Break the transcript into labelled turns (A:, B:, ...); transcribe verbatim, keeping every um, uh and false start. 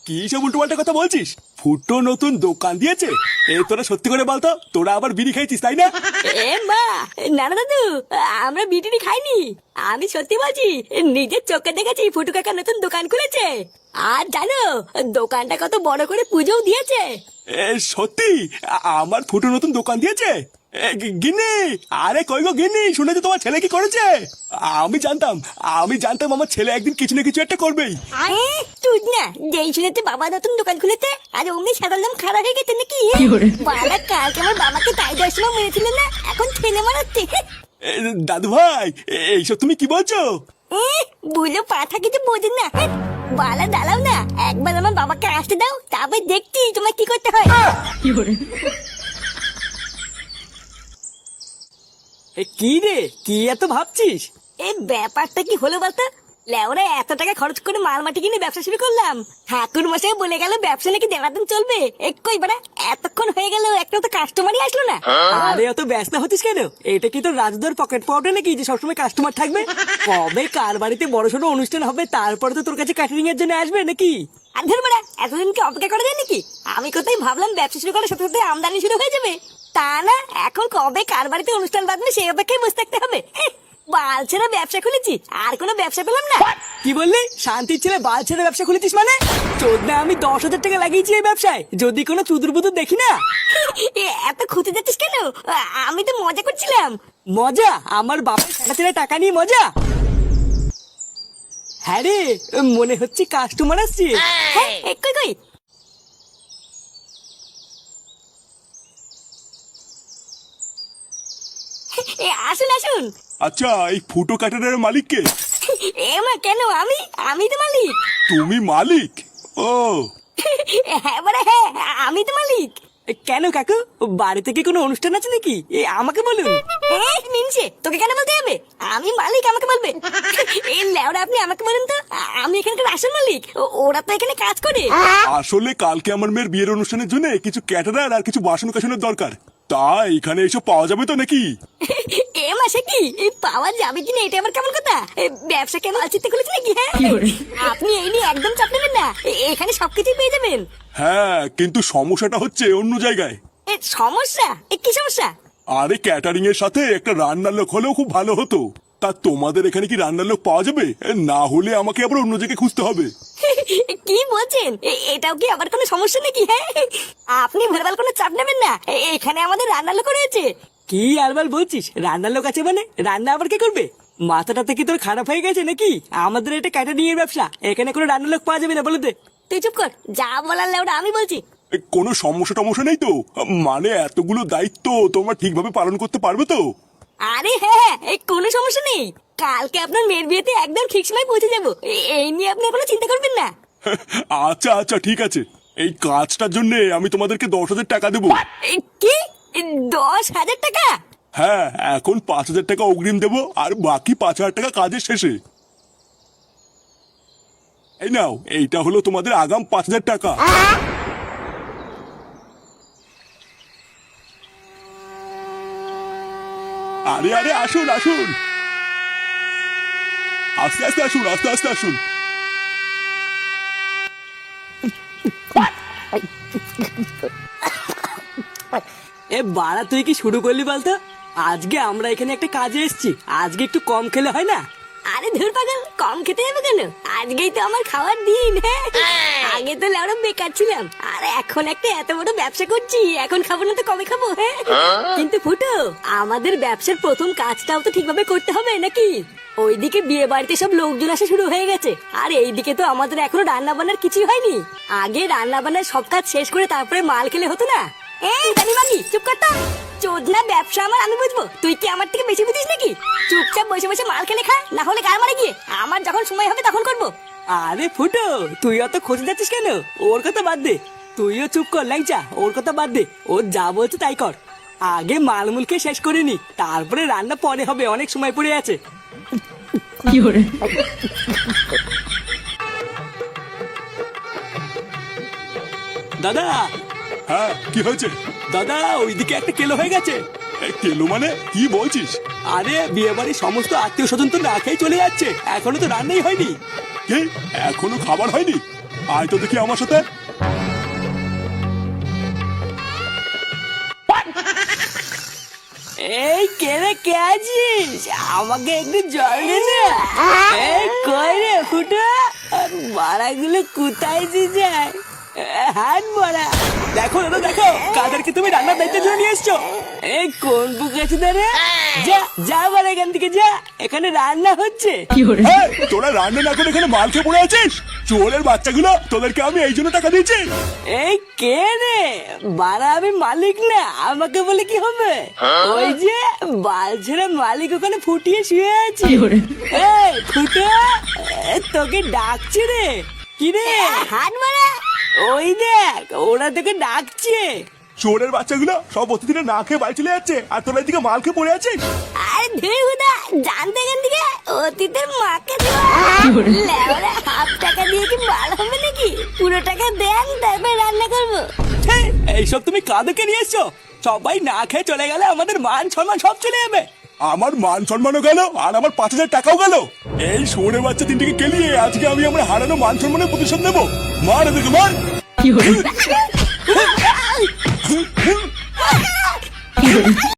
A: কি সব উল্টোপাল্টা কথা বলছিস? ফুটো নতুন দোকান দিয়েছে? এ তোরা সত্যি করে বলতো, তোরা আবার বিড়ি খাইছিস তাই না?
B: এ মা, না না দাদু, আমরা বিটিনি খাইনি। আমি সত্যি বলছি, নিজের চোখে দেখেছি ফুটু কাকা নতুন দোকান খুলেছে। আর জানো, দোকানটা কত বড় করে পুজোও দিয়েছে।
A: এ সত্যি? আ- আমার ফুটো নতুন দোকান দিয়েছে? এ, গি- গিন্নি, আরে কই গো গিন্নি, শুনেছো তোমার ছেলে কি করেছে? আমি জানতাম, আমি জানতাম আমার ছেলে একদিন কিছু না কিছু একটা করবেই।
B: আরে তুই না, যেই শুনেতে বাবা নতুন দোকান খুলেছে আর অমনি সাদার দাম খারাপ হয়ে গেছে নাকি? বাবা কালকে আমার বাবাকে তাই দেওয়ার সময় মেরেছিল না, এখন ঠেলে মারাচ্ছে।
A: এ, দাদু ভাই, এ- এইসব তুমি কি বলছো?
B: এ, বুঝো পাঠা কিছু বোঝেন না। বালা দাঁড়াও না, একবার আমার বাবাকে আসতে দাও, তারপর দেখছি তোমার কি করতে হয়।
C: এ কি রে, কি এত ভাবছিস?
B: এই ব্যাপারটা কি হলো বলতো? লেওরা এত টাকা খরচ করে মাল মাটি কিনে ব্যবসা শুরু করলাম, ঠাকুর মশাই বলে গেল ব্যবসা নাকি দেড় দিন চলবে। একই বাড়া, এতক্ষণ হয়ে গেল একটা তো কাস্টমারই আসলো না।
C: আরে অত ব্যস্ত হচ্ছিস কেন? এটা কি তোর রাজদার পকেট পাউডার নাকি যে সবসময় কাস্টমার থাকবে? কবে কার বাড়িতে বড়সড় অনুষ্ঠান হবে তারপরে তো তোর কাছে ক্যাটারিং এর জন্য আসবে নাকি?
B: আর ধর বাড়া, এতদিন কি অপেক্ষা করা যায় নাকি? আমি কোথায় ভাবলাম ব্যবসা শুরু করার সাথে সাথে আমদানি শুরু হয়ে যাবে। তা না, এখন কবে কার বাড়িতে অনুষ্ঠান বাঁধবে সেই অপেক্ষায় বসে থাকতে হবে। বাল ছেড়ে ব্যবসা খুলেছি, আর কোনো ব্যবসা পেলাম না।
C: কি বললি? শান্তির ছেলে বাল ছেড়ে ব্যবসা খুলেছিস মানে? চোদ না, আমি দশ হাজার টাকা লাগিয়েছি এই ব্যবসায়, যদি কোনো চুদুর বুদুর দেখি না।
B: এ, এত খুঁতে যাচ্ছিস কেন? আমি তো মজা করছিলাম।
C: মজা? আমার বাপের টাকা ছেড়ে টাকা নিয়ে মজা? হ্যাঁ রে, মনে হচ্ছে কাস্টমার আসছে।
B: হ্যাঁ, এ, কই কই এ, আসুন আসুন।
A: আচ্ছা, এই ফুটো কাটারের মালিক কে?
B: এ মা, কেন? আমি আমি তো মালিক।
A: তুমি মালিক? ও,
B: হ্যাঁ বাড়া, হ্যাঁ আমি তো মালিক।
C: এ, কেন কাকু, বাড়িতে কি কোনো অনুষ্ঠান আছে নাকি? এ আমাকে বলুন।
B: এ, মিনছে, তোকে কেন বলতে হবে? আমি মালিক, আমাকে বলবে? এই লেওরা, আপনি আমাকে বলুন তো, আ- আমি এখানকার আসল মালিক। ও- ওরা তো এখানে কাজ করে।
A: আসলে কালকে আমার মেয়ের বিয়ের অনুষ্ঠানের জন্য কিছু ক্যাটারার আর কিছু বাসন কাসনের দরকার, তাই এখানে এসব পাওয়া যাবে তো নাকি?
B: এ মাসে কি এই পাওয়া যাবে কিনা, এটা আবার কেমন কথা? এ, ব্যবসা কেন আলচিতে খুলেছে নাকি? হ্যাঁ, আপনি এই নিয়ে একদম চাপ নেবেন না, এ- এখানে সবকিছুই পেয়ে যাবেন।
A: হ্যাঁ, কিন্তু সমস্যাটা হচ্ছে অন্য জায়গায়।
B: এ, সমস্যা? এ কি সমস্যা?
A: আরে ক্যাটারিং এর সাথে একটা রান্নার লোক হলেও খুব ভালো হতো। তা তোমাদের এখানে কি রান্নার লোক পাওয়া যাবে? না হলে আমাকে আবার অন্য জায়গায় খুঁজতে হবে।
B: কি বলছেন? এ- এটাও কি আবার কোনো সমস্যা নাকি? হ্যাঁ, আপনি ভুলভাল কোনো চাপ নেবেন না, এ- এখানে আমাদের রান্নার লোক রয়েছে।
C: কি আলবাল বলছিস? রান্নার লোক আছে মানে? রান্না আবার কে করবে? মাথাটা থেকে তোর খারাপ হয়ে গেছে নাকি? আমাদের এটা ক্যাটারিং এর ব্যবসা, এখানে কোনো রান্নার লোক পাওয়া যাবে না, বলে দে।
B: তুই চুপ কর, যা বলার লেওটা আমি বলছি।
A: এ, কোনো সমস্যা টমস্যা নেই তো? মানে এতগুলো দায়িত্ব তোমরা ঠিকভাবে পালন করতে পারবে তো?
B: আরে হ্যাঁ, এই কোনো সমস্যা নেই। কালকে আপনার মেয়ের বিয়েতে একদম ঠিক সময় পৌঁছে যাবো, এ- এই নিয়ে আপনি কোনো চিন্তা করবেন না।
A: আচ্ছা আচ্ছা, ঠিক আছে। এই কাজটার জন্য আমি তোমাদেরকে দশ হাজার টাকা দেবো।
B: এ, কি? এ, দশ হাজার টাকা?
A: হ্যাঁ, এখন পাঁচ হাজার টাকা অগ্রিম দেবো আর বাকি পাঁচ হাজার টাকা কাজের শেষে। এই নাও, এইটা হলো তোমাদের আগাম পাঁচ হাজার টাকা। আরে আরে, আসুন আসুন, আস্তে আস্তে আসুন, আস্তে আস্তে আসুন।
C: এ বাড়া, তুই কি শুরু করলি বলতো? আজকে আমরা এখানে একটা কাজে এসেছি, আজকে একটু কম খেলে হয় না?
B: আরে ধুর পাগল, কম খেতে যাবে কেন? আজকেই তো আমার খাওয়ার দিন। হ্যাঁ, আগে তো লেওরা বেকার ছিলাম, আর এখন একটা এত বড় ব্যবসা করছি, এখন খাবো না তো কবে খাবো? হ্যাঁ, কিন্তু ফুটো, আমাদের ব্যবসার প্রথম কাজটাও তো ঠিকভাবে করতে হবে নাকি? ওইদিকে বিয়ে বাড়িতে সব লোকজন আসা শুরু হয়ে গেছে, আর এইদিকে তো আমাদের এখনো রান্না বান্নার কিছুই হয়নি। আগে রান্না বান্নার সব কাজ শেষ করে তারপরে মাল খেলে হতো না? এই জানি মাগি, চুপ কর তো। চোদনা ব্যবসা আমার, আমি বুঝবো, তুই কি আমার থেকে বেশি বুঝিস নাকি? চুপচাপ বসে বসে মাল খেলে খা, না হলে গাল মারে গিয়ে। আমার যখন সময় হবে তখন করবো।
C: আরে ফুটো, তুই অত খোঁজে যাচ্ছিস কেন? ওর কথা বাদ দে, তুইও চুপ কর ল্যাংচা, ওর কথা বাদ দে, ও যা বলছে তাই কর। আগে মালমুল খেয়ে শেষ করে নি, তারপরে রান্না পরে হবে, অনেক সময় পড়ে আছে। দাদা,
A: হ্যাঁ, কি হয়েছে?
C: দাদা, ওইদিকে একটা কেলো হয়ে গেছে।
A: এ, কেলো মানে কি বলছিস?
C: আরে বিয়ে বাড়ির সমস্ত আত্মীয় স্বজন তো না খেয়ে চলে যাচ্ছে, এখনো তো রান্নাই হয়নি।
A: কি, এখনো খাবার হয়নি? আয় তো দেখি আমার সাথে।
C: এই কেনে কে আছিস? আমাকে একটু জল দে না। এই কই রে ফুটো, বাড়াগুলো কোথায় যে যায়? হাত বড়া।
A: দেখো দাদা দেখো, কাদেরকে তুমি রান্নার দায়িত্ব ধরে নিয়ে এসছো।
C: এই কোন বুক আছে দাঁড়ে? যা যা বাড়া এখান থেকে যা, এখানে রান্না হচ্ছে।
A: এই, তোরা রান্না না করে এখানে মাল খেয়ে পড়ে আছিস? চোরের বাচ্চাগুলো, তোদেরকে আমি এই জন্য টাকা দিয়েছি।
C: এই কে রে? বাড়া আমি মালিক না, আমাকে বলে কি হবে? ওই যে বাল ছেড়ে মালিক ওখানে ফুটিয়ে শুয়ে আছে। এই ফুটো, এ, তোকে ডাকছে রে। কি রে?
B: হাত মারা।
C: ওই দেখ, ওরা তোকে ডাকছে।
A: চোরের বাচ্চাগুলো সব অতিথিরা না খেয়ে বাড়ি চলে যাচ্ছে, আর তোরা এদিকে মাল খেয়ে পড়ে আছিস।
B: আরে ধেউদা, জানতে এখান থেকে অতীতের মাকে দেওয়া লেওরা হাফ টাকা দিয়ে কি মাল হবে নাকি? পুরো টাকা দেন, তারপরে রান্না করবো।
C: হে, এইসব তুমি কাদেরকে নিয়ে এসছো? সবাই না খেয়ে চলে গেলে আমাদের মান সম্মান সব চলে যাবে।
A: আমার মান সম্মানও গেল, আর আমার পাঁচ হাজার টাকাও গেল। এই চোরের বাচ্চা তিনটিকে কেলিয়ে আজকে আমি আমার হারানো মান সম্মানের প্রতিশোধ নেবো। মার এদেরকে মার।